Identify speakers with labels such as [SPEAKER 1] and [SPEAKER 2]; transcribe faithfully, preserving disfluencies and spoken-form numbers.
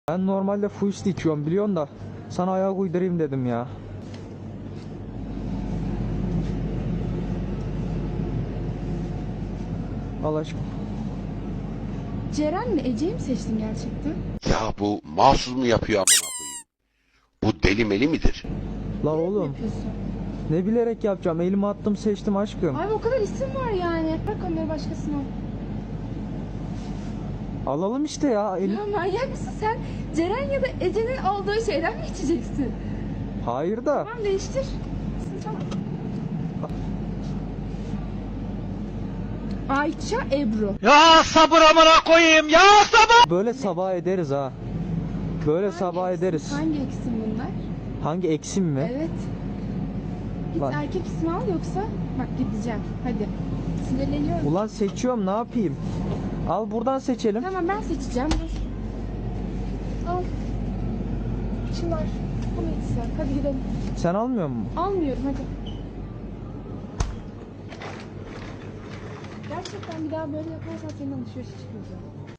[SPEAKER 1] Ben normalde full içiyorum biliyorsun da sana ayak uydurayım dedim ya. Al aşkım.
[SPEAKER 2] Ceren mi Ece'yi mi seçtin gerçekten?
[SPEAKER 3] Ya bu mahsus mu yapıyor amına koyayım? Bu deli meli midir?
[SPEAKER 1] La
[SPEAKER 2] Ne
[SPEAKER 1] oğlum
[SPEAKER 2] yapıyorsun?
[SPEAKER 1] ne bilerek yapacağım, elimi attım seçtim aşkım.
[SPEAKER 2] Abi o kadar isim var yani. Bırak onları başkasına.
[SPEAKER 1] Alalım işte ya elim.
[SPEAKER 2] Ya manyak mısın sen? Ceren ya da Ece'nin aldığı şeyden mi içeceksin?
[SPEAKER 1] Hayır da
[SPEAKER 2] Tamam değiştir. Tamam. Ayça Ebru.
[SPEAKER 4] Ya sabır amına koyayım ya sabır.
[SPEAKER 1] böyle sabah ederiz ha. Böyle
[SPEAKER 2] Hangi
[SPEAKER 1] sabah
[SPEAKER 2] eksim-
[SPEAKER 1] ederiz.
[SPEAKER 2] Hangi eksim bunlar?
[SPEAKER 1] Hangi eksim mi?
[SPEAKER 2] Evet. Git
[SPEAKER 1] Bak.
[SPEAKER 2] erkek ismi al yoksa bak gideceğim. Hadi. Sinirleniyorum.
[SPEAKER 1] Ulan seçiyorum, ne yapayım? Al buradan seçelim.
[SPEAKER 2] Tamam ben seçeceğim. Dur. Al. Çınar. Bunu içsen. Hadi gidelim.
[SPEAKER 1] Sen almıyor musun?
[SPEAKER 2] Almıyorum hadi. Gerçekten bir daha böyle yaparsan senin alışverişe çıkmayacağım.